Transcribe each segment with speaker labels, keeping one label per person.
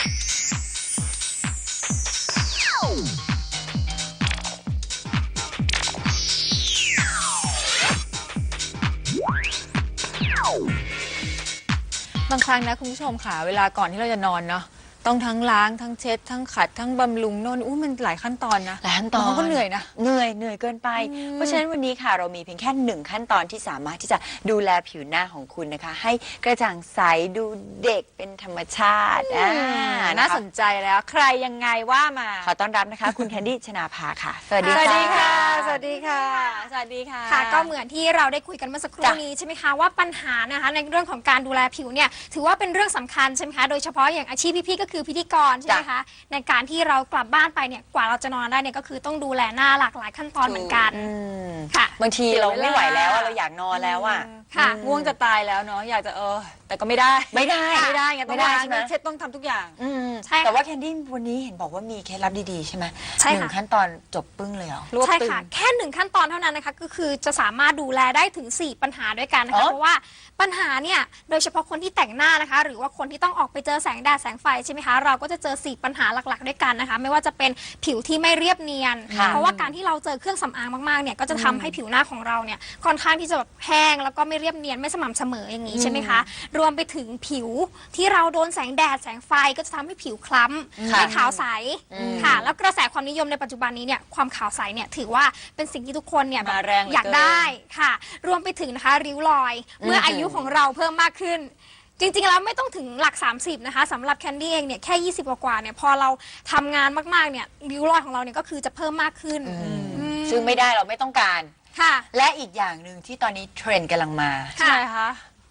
Speaker 1: บางครั้งนะคุณผู้ชมค่ะเวลาก่อนที่เราจะนอนเนาะต้องทั้งล้างทั้งเช็ดทั้งขัดทั้งบำรุงโน่นมันหลายขั้นตอนนะ
Speaker 2: หลายขั้นตอน
Speaker 1: ก็เหนื่อยนะ
Speaker 2: เหนื่อยเกินไปเพราะฉะนั้นวันนี้ค่ะเรามีเพียงแค่1ขั้นตอนที่สามารถที่จะดูแลผิวหน้าของคุณนะคะให้กระจ่างใสดูเด็กเป็นธรรมชาติ
Speaker 1: น่าสนใจแล้วใครยังไงว่ามา
Speaker 2: ขอต้อนรับนะคะคุณแคนดี้ชนาภาค่ะสวัสดี
Speaker 1: ค่ะ
Speaker 2: สวัสดีค่ะ
Speaker 1: สวัสดีค่ะสวัสดีค่ะ
Speaker 3: ค่ะก็เหมือนที่เราได้คุยกันเมื่อสักครู่นี้ใช่ไหมคะว่าปัญหานะคะในเรื่องของการดูแลผิวเนี่ยถือว่าเป็นเรื่องสำคัญใช่ไหมคะโดยเฉพาะอย่างอาชีพพี่ๆก็คือพิธีกรใช่ไหมคะในการที่เรากลับบ้านไปเนี่ยกว่าเราจะนอนได้เนี่ยก็คือต้องดูแลหน้าหลากหลายขั้นตอนเหมือนกัน
Speaker 2: ค่ะบางทีเราไม่ไหวแล้วเราอยากนอนแล้วอ่ะ
Speaker 1: ค่ะง่วงจะตายแล้วเนาะอยากจะแต่ก็ไม่ได้ไงต้องล้างเช็ดต้องทำทุกอย่าง
Speaker 2: ใช่แต่ว่าแคนดี้วันนี้เห็นบอกว่ามีเคล็ดลับดีๆใช่ไหม
Speaker 3: ใช่ค่ะ
Speaker 2: 1ขั้นตอนจบปึ้งเลยเหรอ
Speaker 3: ใช่ค่ะแค่1ขั้นตอนเท่านั้นนะคะก็คือจะสามารถดูแลได้ถึง4ปัญหาด้วยกันนะคะเพราะว่าปัญหาเนี่ยโดยเฉพาะคนที่แต่งหน้านะคะหรือว่าคนที่ต้องออกไปเจอแสงแดดแสงไฟใช่ไหมคะเราก็จะเจอ4ปัญหาหลักๆด้วยกันนะคะไม่ว่าจะเป็นผิวที่ไม่เรียบเนียนเพราะว่าการที่เราเจอเครื่องสำอางมากๆเนี่ยก็จะทำให้ผิวหน้าของเราเนี่ยค่อนข้างที่จะแบบแห้งแล้วก็ไม่เรียบเนียนไม่สม่ำเสมออย่างนี้ใช่ไหมคะรวมไปถึงผิวที่เราโดนแสงแดดแสงไฟก็จะทำให้ผิวคล้ำไม่ขาวใสค่ะแล้วกระแสความนิยมในปัจจุบันนี้เนี่ยความขาวใสเนี่ยถือว่าเป็นสิ่งที่ทุกคนเนี่ยแบบอยากได้ค่ะรวมไปถึงนะคะริ้วรอยเมื่ออายุของเราเพิ่มมากขึ้นจริงๆแล้วไม่ต้องถึงหลัก30นะคะสำหรับแคนดี้เองเนี่ยแค่20กว่าเนี่ยพอเราทำงานมากๆเนี่ยริ้วรอยของเราเนี่ยก็คือจะเพิ่มมากขึ้น
Speaker 2: ซึ่งไม่ได้เราไม่ต้องการ
Speaker 3: ค่ะ
Speaker 2: และอีกอย่างหนึ่งที่ตอนนี้เทรนด์กำลังมา
Speaker 1: ใช่คะ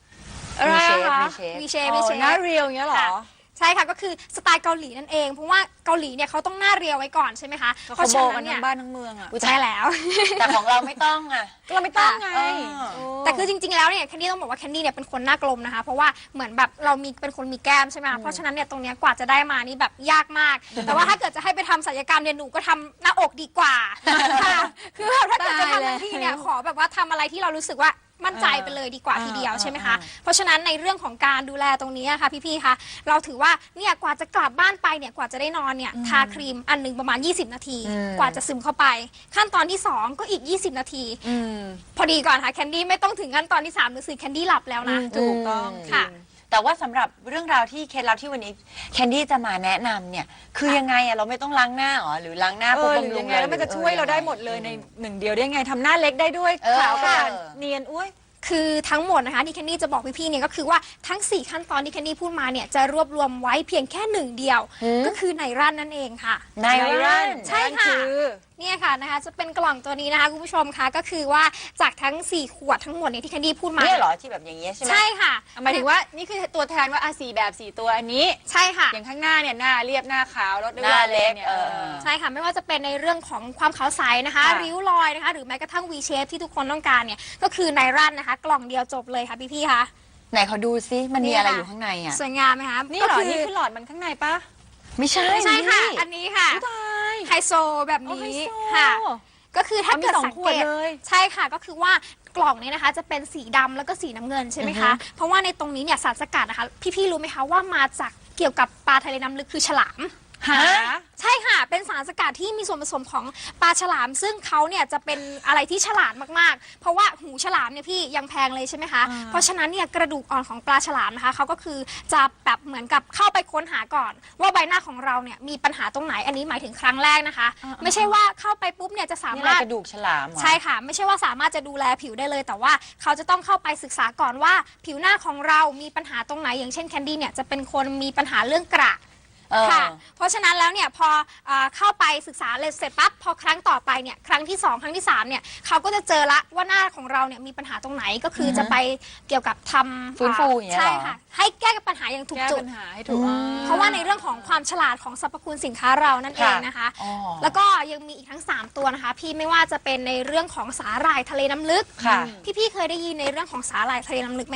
Speaker 3: วีเชฟ
Speaker 1: หน้าเรียวอย่างเงี้ยหรอ
Speaker 3: ใช่ค่ะก็คือสไตล์เกาหลีนั่นเองเพราะว่าเกาหลีเนี่ยเขาต้องหน้าเรียวไว้ก่อนใช่ไหมคะ
Speaker 1: เพราะฉะนั้นเนี่ยบ้านทั้งเมืองอ่ะ
Speaker 3: ใช่แล้ว
Speaker 2: แต่ของเราไม่ต้องอ่ะ
Speaker 1: เราไม่ต้องไง
Speaker 3: แต่คือจริงๆแล้วเนี่ยแคนดี้ต้องบอกว่าแคนดี้เนี่ยเป็นคนหน้ากลมนะคะเพราะว่าเหมือนแบบเราเป็นคนมีแก้มใช่ไหมเพราะฉะนั้นเนี่ยตรงเนี้ยกว่าจะได้มานี่แบบยากมากแต่ว่าถ้าเกิดจะให้ไปทำศัลยกรรมเนี่ยหนูก็ทำหน้าอกดีกว่าค่ะคือแบบถ้าเกิดจะทำทันทีเนี่ยขอแบบว่าทำอะไรที่เรารู้สึกว่ามั่นใจไปเลยดีกว่าทีเดียวใช่ไหมคะเพราะฉะนั้นในเรื่องของการดูแลตรงนี้ค่ะพี่ๆคะเราถือว่าเนี่ยกว่าจะกลับบ้านไปเนี่ยกว่าจะได้นอนเนี่ยทาครีมอันหนึ่งประมาณ20นาทีกว่าจะซึมเข้าไปขั้นตอนที่2ก็อีก20นาทีพอดีก่อนค่ะแคนดี้ไม่ต้องถึงขั้นตอนที่3หรือ4แคนดี้หลับแล้วนะ
Speaker 1: ถูกต้อง
Speaker 3: ค่ะ
Speaker 2: แต่ว่าสำหรับเรื่องราวที่เคล็ดลับที่วันนี้แคนดี้จะมาแนะนำเนี่ยคือยังไงอะเราไม่ต้องล้างหน้าหรอหรือล้างหน้าปุ๊บบำรุง
Speaker 1: เลยแล้วมันจะช่วยเราได้หมดเลยใน1เดียวได้ไงทำหน้าเล็กได้ด้วยขาวกระจ่างเนียนอุ้ย
Speaker 3: คือทั้งหมดนะคะที่แคนดี้จะบอกพี่ๆเนี่ยก็คือว่าทั้ง4ขั้นตอนที่แคนดี้พูดมาเนี่ยจะรวบรวมไว้เพียงแค่1เดียวก็คือไนรันนั่นเองค่ะ
Speaker 2: ไนรัน
Speaker 3: ใช่ค่ะเนี่ยค่ะนะคะจะเป็นกล่องตัวนี้นะคะคุณผู้ชมคะก็คือว่าจากทั้ง4ขวดทั้งหมดเนี่ยที่แคนดี้พูดมา
Speaker 2: เนี่ยเหรอที่แบบอย่างเงี้ยใช่ไหม
Speaker 3: ใช่ค่ะ
Speaker 1: หมายถึงว่านี่คือตัวแทนว่า4แบบ4ตัวอันนี้
Speaker 3: ใช่ค่ะ
Speaker 1: อย่างข้างหน้าเนี่ยหน้าเรียบหน้าขาวลดด้วย
Speaker 2: หน้าเล็ก
Speaker 1: เนี่ย
Speaker 3: ใช่ค่ะไม่ว่าจะเป็นในเรื่องของความขาวใสนะคะริ้วรอยนะคะหรือแม้กระทั่ง V shape ที่ทุกคนต้องการเนี่ยก็คือไนรันนะคะกล่องเดียวจบเลยค่ะพี่ๆคะ
Speaker 2: ไหนเขาดูซิมันมีอะไรอยู่ข้างในอ่ะ
Speaker 3: สวยงามไหมคะ
Speaker 1: นี่หรอนี่คือหลอดมันข้างในปะ
Speaker 2: ไม่ใช่
Speaker 3: ค่ะอันนี้ค่ะไฮโซแบบนี้ค่ะก็คือถ้าเกิดสังเกตใช่ค่ะก็คือว่ากล่องนี้นะคะจะเป็นสีดำแล้วก็สีน้ำเงินใช่ไหมคะเพราะว่าในตรงนี้เนี่ยสารสกัดนะคะพี่ๆรู้ไหมคะว่ามาจากเกี่ยวกับปลาทะเลน้ำลึกคือฉลามใช่ค่ะเป็นสารสกัดที่มีส่วนผสมของปลาฉลามซึ่งเขาเนี่ยจะเป็นอะไรที่ฉลาดมากๆเพราะว่าหูฉลามเนี่ยพี่ยังแพงเลยใช่ไหมคะเพราะฉะนั้นเนี่ยกระดูกอ่อนของปลาฉลามนะคะเขาก็คือจะแบบเหมือนกับเข้าไปค้นหาก่อนว่าใบหน้าของเราเนี่ยมีปัญหาตรงไหนอันนี้หมายถึงครั้งแรกนะคะไม่ใช่ว่าเข้าไปปุ๊บเนี่ยจะสามารถ
Speaker 2: กระดูกฉลาม
Speaker 3: ใช่ค่ะไม่ใช่ว่าสามารถจะดูแลผิวได้เลยแต่ว่าเขาจะต้องเข้าไปศึกษาก่อนว่าผิวหน้าของเรามีปัญหาตรงไหนอย่างเช่นแคนดี้เนี่ยจะเป็นคนมีปัญหาเรื่องกระค่ะเพราะฉะนั้นแล้วเนี่ยพอเข้าไปศึกษาเสร็จปั๊บพอครั้งต่อไปเนี่ยครั้งที่2ครั้งที่3เนี่ยเขาก็จะเจอละว่าหน้าของเราเนี่ยมีปัญหาตรงไหนก็คือจะไปเกี่ยวกับทำ
Speaker 2: ฟื้นฟูอย่างเงี้ย
Speaker 3: ใช่ค่ะให้แก้ปัญหาอย่างถูกจุดเพราะว่าในเรื่องของความฉลาดของสรรพคุณสินค้าเรานั่นเองนะคะแล้วก็ยังมีอีกทั้ง3ตัวนะคะพี่ไม่ว่าจะเป็นในเรื่องของสาหร่ายทะเลน้ำลึกพี่เคยได้ยินในเรื่องของสาหร่ายทะเลน้ำลึกไหมคะ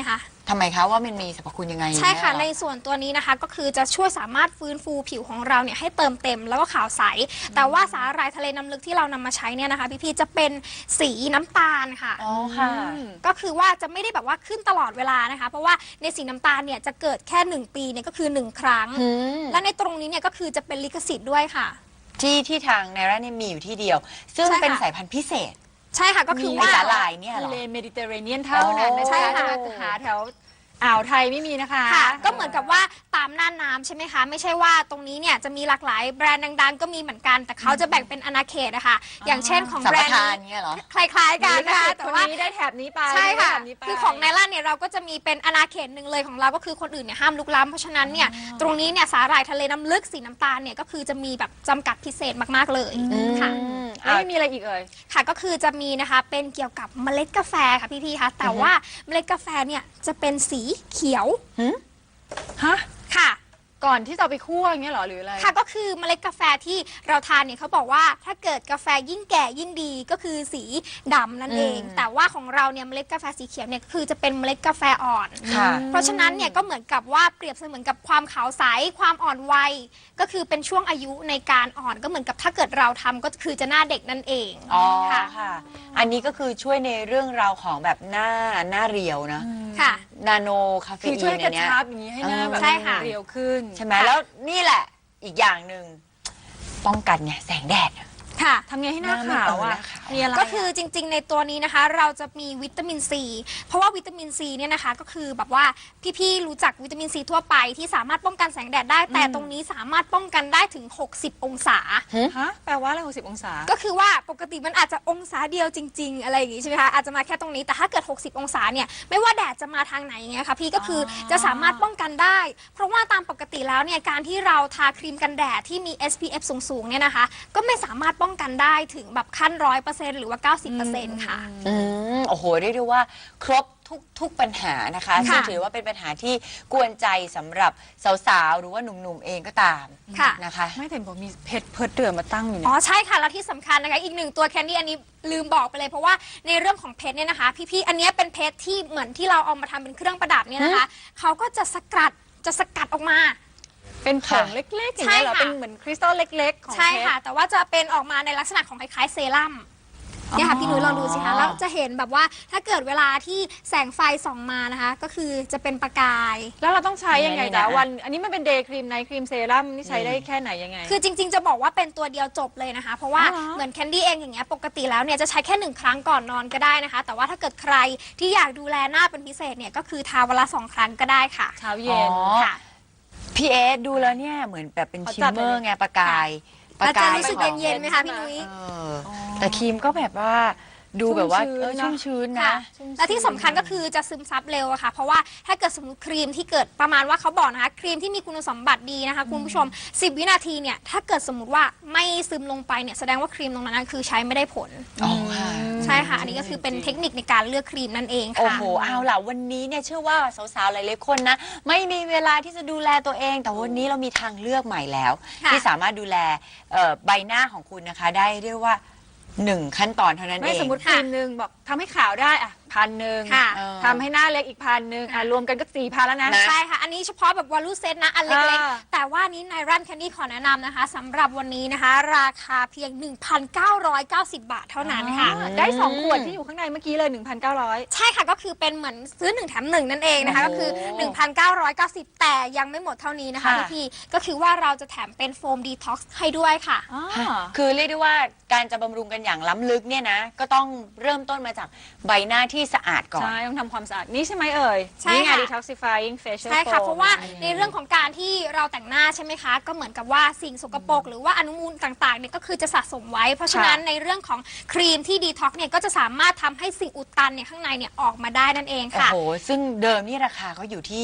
Speaker 2: ทำไมคะว่ามันมีสรรพคุณยังไง
Speaker 3: ใช่ค่ะ
Speaker 2: แน่
Speaker 3: ใน
Speaker 2: เหรอ
Speaker 3: ส่วนตัวนี้นะคะก็คือจะช่วยสามารถฟื้นฟูผิวของเราเนี่ยให้เติมเต็มแล้วก็ขาวใส แต่ว่าสาหร่ายทะเลน้ำลึกที่เรานำมาใช้เนี่ยนะคะพี่ๆจะเป็นสีน้ำตาลค่ะ
Speaker 2: อ๋อค่ะ
Speaker 3: ก็คือว่าจะไม่ได้แบบว่าขึ้นตลอดเวลานะคะ เพราะว่าในสีน้ำตาลเนี่ยจะเกิดแค่ 1 ปีเนี่ยก็คือ 1 ครั้ง และในตรงนี้เนี่ยก็คือจะเป็นลิขสิทธิ์ด้วยค่ะ
Speaker 2: ที่ทางไนร่าเนี่ยมีอยู่ที่เดียว ซึ่ง
Speaker 3: ใช่ค่ะ
Speaker 2: เป็นสายพันธุ์พิเศษ
Speaker 3: ใช่ค่ะก็คือ
Speaker 2: ไอ
Speaker 3: ว่า
Speaker 2: สาหร่ายเนี่ยเหร
Speaker 1: ทะ
Speaker 2: อ
Speaker 1: เลเมดิเตอร์เรเนียนเท่านั้นนะ
Speaker 2: อ๋อ
Speaker 1: ใช่ค่ะ
Speaker 3: ใช่ค่ะ
Speaker 1: จะหาแถวอ่าวไทยไม่มีนะคะ
Speaker 3: ค่ะก็เหมือนกับว่าตามน่านน้ำใช่ไหมคะ ไม่ใช่ว่าตรงนี้เนี่ยจะมีหลากหลายแบรนด์ดังๆ ก็มีเหมือนกัน แต่เขาจะแบ่งเป็นอาณาเขตนะคะอย่างเช่นของ
Speaker 2: สัม
Speaker 3: แบร
Speaker 2: ป
Speaker 3: นด์
Speaker 2: ทาน
Speaker 3: นี้
Speaker 2: เนี่ยเหรอ
Speaker 3: คล้ายๆกันนะคะแต่
Speaker 1: คน
Speaker 3: ว่า
Speaker 1: นี้ได้แถบนี้ไป
Speaker 3: ใช่ค่ะ
Speaker 1: ได้แถบนี้ไป
Speaker 3: คือของไนล่าเนี่ยเราก็จะมีเป็นอาณาเขตหนึ่งเลยของเราก็คือคนอื่นเนี่ยห้ามลุกล้ำเพราะฉะนั้นเนี่ยตรงนี้เนี่ยสาหร่ายทะเลน้ำลึกสีน้ำตาลเนี่ยก็คือจะมีแบบจำกัดพิเศษมากๆเลยค่ะ
Speaker 1: แล้วไม่มีอะไรอีกเอ่ย
Speaker 3: ค่ะก็คือจะมีนะคะเป็นเกี่ยวกับเมล็ดกาแฟค่ะพี่ๆคะแต่ว่าเมล็ดกาแฟเนี่ยจะเป็นสีเขียว
Speaker 1: ฮะ
Speaker 3: ค่ะ
Speaker 1: ก่อนที่จะเอาไปคั่วอย่างเงี้ยเหรอหรืออะไร
Speaker 3: ค่ะก็คือเมล็ดกาแฟที่เราทานเนี่ยเขาบอกว่าถ้าเกิดกาแฟยิ่งแก่ยิ่งดีก็คือสีดำนั่นเอง แต่ว่าของเราเนี่ยเมล็ดกาแฟสีเขียวเนี่ยก็คือจะเป็นเมล็ดกาแฟอ่อน
Speaker 2: ค่ะ
Speaker 3: เพราะฉะนั้นเนี่ยก็เหมือนกับว่าเปรียบเสมือนกับความขาวใสความอ่อนวัยก็คือเป็นช่วงอายุในการอ่อนก็เหมือนกับถ้าเกิดเราทำก็คือจะหน้าเด็กนั่นเอง
Speaker 2: อ๋อ
Speaker 3: ค่ะ
Speaker 2: ค่ะ อันนี้ก็คือช่วยในเรื่องราวของแบบหน้าเรียวนะ
Speaker 3: ค่ะ
Speaker 2: นาโนคาเฟ
Speaker 1: คือ
Speaker 2: อี
Speaker 1: ช่วย
Speaker 2: น
Speaker 1: กระ
Speaker 2: เนี่ย
Speaker 1: ชับอย่างนี้ให้หน้าแบบ
Speaker 3: ใช่ค่ะ
Speaker 1: เรียวขึ้น
Speaker 2: ใช่ไหมแล้วนี่แหละอีกอย่างหนึ่งป้องกันเนี่ยแสงแดด
Speaker 3: ค่ะ
Speaker 1: ทำไงให้หน้า
Speaker 2: หน้าไม่
Speaker 1: ขาว
Speaker 2: เออห
Speaker 1: อ่ะ
Speaker 2: น้าขาว
Speaker 1: มีอะไร
Speaker 3: ก็คือจริงๆ ในตัวนี้นะคะเราจะมีวิตามินซีเพราะว่าวิตามินซีเนี่ยนะคะก็คือแบบว่าพี่ๆรู้จักวิตามินซีทั่วไปที่สามารถป้องกันแสงแดดได้ แต่ตรงนี้สามารถป้องกันได้ถึง 60 องศา
Speaker 1: ฮะแปลว่าอะไร60 องศา
Speaker 3: ก็คือว่าปกติมันอาจจะองศาเดียวจริง ๆ อะไรอย่างงี้ใช่ไหมคะอาจจะมาแค่ตรงนี้แต่ถ้าเกิด 60 องศาเนี่ยไม่ว่าแดดจะมาทางไหนอย่างเงี้ยค่ะพี่ก็คือจะสามารถป้องกันได้ เพราะว่าตามปกติแล้วเนี่ยการที่เราทาครีมกันแดดที่มี SPF สูงๆเนี่ยนะคะก็ไม่สามารถป้องกันได้ถึงแบบขั้น 100%หรือว่า 90%ค่ะ
Speaker 2: โอ้โหเรียกได้ว่าครบทุกปัญหานะคะ
Speaker 3: ค่ะ
Speaker 2: ซึ่งถือว่าเป็นปัญหาที่กวนใจสำหรับสาวๆหรือว่าหนุ่มๆเองก็ตาม
Speaker 3: ค่ะ
Speaker 2: นะคะ
Speaker 1: ไม่แต่บอกมีเพชรเพิร์ดเดือมาตั้งอยู่
Speaker 3: อ๋
Speaker 1: เนี่
Speaker 3: อย ใช่ค่ะ แล้วที่สำคัญนะคะอีกหนึ่งตัวแคนดี้อันนี้ลืมบอกไปเลยเพราะว่าในเรื่องของเพชรเนี่ยนะคะ พี่ๆอันเนี้ยเป็นเพชรที่เหมือนที่เราเอามาทำเป็นเครื่องประดับเนี่ยนะคะเขาก็จะสกัดออกมา
Speaker 1: เป็นผงเล็กๆอย่างเงี้ยเหรอ
Speaker 3: ใช่ค่ะ
Speaker 1: เป็นเหมือนคริสตัลเล็กๆของ
Speaker 3: ใช่
Speaker 1: เพชร
Speaker 3: ค่ะ แต่ว่าจะเป็นออกมาในลักษณะของคล้ายๆเซรั่มเนี่ยค่ะพี่นุ้ยลองดูสิคะแล้วจะเห็นแบบว่าถ้าเกิดเวลาที่แสงไฟส่องมานะคะ ก็คือจะเป็นประกาย
Speaker 1: แล้วเราต้องใช้ยังไง
Speaker 2: นี่
Speaker 1: จ๊ะ
Speaker 2: นะ
Speaker 1: วันอันนี้มันเป็นเดย์ครีมไนท์ครีมเซรั่มนี่ใช้ได้แค่ไหนยังไง
Speaker 3: คือจริงๆ จะบอกว่าเป็นตัวเดียวจบเลยนะคะ เพราะว่า
Speaker 1: อ๋อเหรอ
Speaker 3: เหมือนแคนดี้เองอย่างเงี้ยปกติแล้วเนี่ยจะใช้แค่ 1 ครั้งก่อนนอนก็ได้นะคะ แต่ว่าถ้าเกิดใครที่อยากดูแลหน้าเป็นพิเศษเนี่ยก็คือทาวันละ2 ครั้งก็ได้ค่ะ
Speaker 1: เช้าเย็น
Speaker 3: ค่ะ
Speaker 2: พี่เอสดูแล้วเนี่ยเหมือนแบบเป็น
Speaker 1: เขา
Speaker 2: ชิ
Speaker 1: จั
Speaker 2: ม
Speaker 1: ด
Speaker 2: เมอร์
Speaker 1: เลย
Speaker 2: ไงประกาย
Speaker 3: แล้วจะ
Speaker 2: ข
Speaker 3: รู้สึก
Speaker 2: อง
Speaker 3: เย็นๆไหมคะพี่นุ้ย
Speaker 2: เออแต่ครีมก็แบบว่าดูแบบว่าชุ่มชื้น
Speaker 3: ค่ะ
Speaker 2: นะ
Speaker 3: และที่สำคัญก็คือจะซึมซับเร็วอะค่ะ เพราะว่าถ้าเกิดสมมติครีมที่เกิดประมาณว่าเขาบอกนะคะครีมที่มีคุณสมบัติดีนะคะคุณผู้ชม 10 วินาทีเนี่ยถ้าเกิดสมมติว่าไม่ซึมลงไปเนี่ยแสดงว่าครีมตรงนั้นคือใช้ไม่ได้ผล
Speaker 2: อ๋อค่ะ
Speaker 3: ใช่ค่ะ อันนี้ก็คือเป็นเทคนิคในการเลือกครีมนั่นเอง
Speaker 2: โอ้
Speaker 3: ค่ะ
Speaker 2: โห เอาล่ะ วันนี้เนี่ยเชื่อว่าสาวๆ หลายๆ คนนะ ไม่มีเวลาที่จะดูแลตัวเอง แต่วันนี้เรามีทางเลือกใหม่แล้ว
Speaker 3: ค่ะ
Speaker 2: ที่สามารถดูแลใบหน้าของคุณนะคะ ได้เรียกว่า 1 ขั้นตอนเท่านั้น
Speaker 1: ไม่
Speaker 2: เอง
Speaker 1: สมมติครีมหนึ่งบอกทำให้ขาวได้อ่ะ1,000
Speaker 3: ค่ะ
Speaker 1: ทำให้หน้าเล็กอีก1,000รวมกันก็4,000แล้วนะ
Speaker 2: นะ
Speaker 3: ใช่ค่ะ อันนี้เฉพาะแบบวอลลุ่เซตนะ อันเล็ก
Speaker 1: อ่า
Speaker 3: ๆ แต่ว่านี้ในรันแคนดี้ขอแนะนำนะคะสำหรับวันนี้นะคะ ราคาเพียง 1,990 บาทเท่านั้นค่ะ
Speaker 1: ได้2 ขวดที่อยู่ข้างในเมื่อกี้เลย 1,900
Speaker 3: ใช่ค่ะ ก็คือเป็นเหมือนซื้อ 1 แถม 1 นั่นเองนะคะ
Speaker 2: โอ้
Speaker 3: ก็
Speaker 2: โห
Speaker 3: คือ 1,990 แต่ยังไม่หมดเท่านี้นะคะ
Speaker 2: ค่ะ
Speaker 3: พี่ๆก็คือว่าเราจะแถมเป็นโฟมดีท็อกซ์ให้ด้วยค่ะ
Speaker 2: คือเรียกได้ว่าการจะบำรุงกันอย่างล้ำลึกเนี่ยนะ ก็ต้องเริ่มต้นมาจากใบหน้าที่สะอาดก่อน
Speaker 1: ใช่ ต้องทำความสะอาด นี่ใช่ไหมเอ่ย
Speaker 3: ใช่
Speaker 1: นี่ไง
Speaker 3: ค่ะ
Speaker 1: detoxifying facial
Speaker 3: ใช่ค่ะ
Speaker 1: foam
Speaker 3: เพราะว่าในเรื่องของการที่เราแต่งหน้าใช่ไหมคะ ก็เหมือนกับว่าสิ่งสกปรกหรือว่าอนุมูลต่างๆเนี่ยก็คือจะสะสมไว้ เพราะฉะนั้นในเรื่องของครีมที่ดีท็อกเนี่ยก็จะสามารถทำให้สิ่งอุดตันเนี่ยข้างในเนี่ยออกมาได้นั่นเอง
Speaker 2: โอ้
Speaker 3: ค่ะ
Speaker 2: โห ซึ่งเดิมนี่ราคาเขาอยู่ที่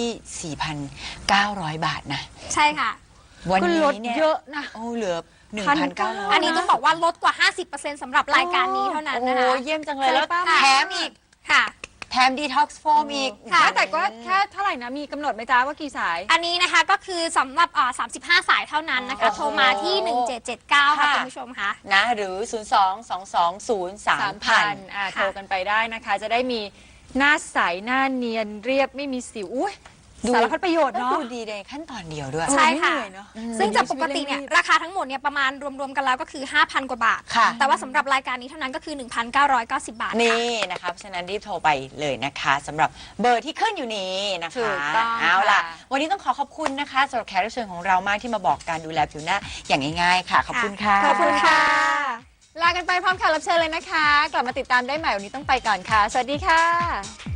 Speaker 2: 4,900 บาทนะ
Speaker 3: ใช่ค่ะ
Speaker 2: วัน
Speaker 1: ก็
Speaker 2: นี้
Speaker 1: ลด
Speaker 2: เนี่ย
Speaker 1: เยอะนะ
Speaker 2: โอ้เหลือ
Speaker 1: 1,900
Speaker 3: อันนี้ต้องบอกว่าลดกว่า 50%สำหรับรายการนี้เท่านั้น
Speaker 2: โอ้
Speaker 3: นะ
Speaker 2: โห
Speaker 3: คะ
Speaker 2: เยี่ยมจังเลย แล้ว
Speaker 1: ใช่ปะ
Speaker 2: แถมอีก
Speaker 3: ค่ะ
Speaker 2: แถมดีท็อกซ์โฟมอีก
Speaker 3: ค่ะ
Speaker 1: แต่ก็แค่เท่าไหร่นะ มีกำหนดไหมจ๊ะว่ากี่สาย
Speaker 3: อันนี้นะคะก็คือสำหรับ35 สายเท่านั้นนะคะ
Speaker 2: โอ้โห
Speaker 3: โทรมาที่ 1779 ค่ะ
Speaker 2: ค่ะ
Speaker 3: คุณผู้ชมค่ะ
Speaker 2: นะหรือ 022203000
Speaker 1: โทรกันไปได้นะคะ จะได้มีหน้าใสหน้าเนียนเรียบไม่มีสิวอุ้ย
Speaker 2: ดู
Speaker 1: สารพัดประโยชน์
Speaker 2: แล้ว
Speaker 1: เนาะ
Speaker 2: ดูดีในขั้นตอนเดียวด้วย
Speaker 3: ใช่ค่ะ
Speaker 2: ไม่เหนื่อยเนอะ
Speaker 3: ซึ่งจากปกติเนี่ยราคาทั้งหมดเนี่ยประมาณรวมๆกันแล้วก็คือ 5,000 กว่าบาท
Speaker 2: ค่ะ
Speaker 3: แต่ว่าสำหรับรายการนี้เท่านั้นก็คือ 1,990 บาทค่ะ
Speaker 2: นี่นะคะเพราะฉะนั้นรีบโทรไปเลยนะคะสำหรับเบอร์ที่ขึ้นอยู่นี้นะ
Speaker 1: ถู
Speaker 2: คะ
Speaker 1: กต้อง
Speaker 2: เอาล่ะ
Speaker 1: ค่ะ
Speaker 2: วันนี้ต้องขอบคุณนะคะสำหรับแขกรับเชิญของเรามากที่มาบอกการดูแลผิวหน้าอย่างง่ายๆค่ะ ขอบคุณค่ะ
Speaker 1: ขอบคุณค่ะ ลากันไปพร้อมแขกรับเชิญเลยนะคะ กลับมาติดตามได้ใหม่วันนี้ต้องไปก่อนค่ะ สวัสดีค่ะ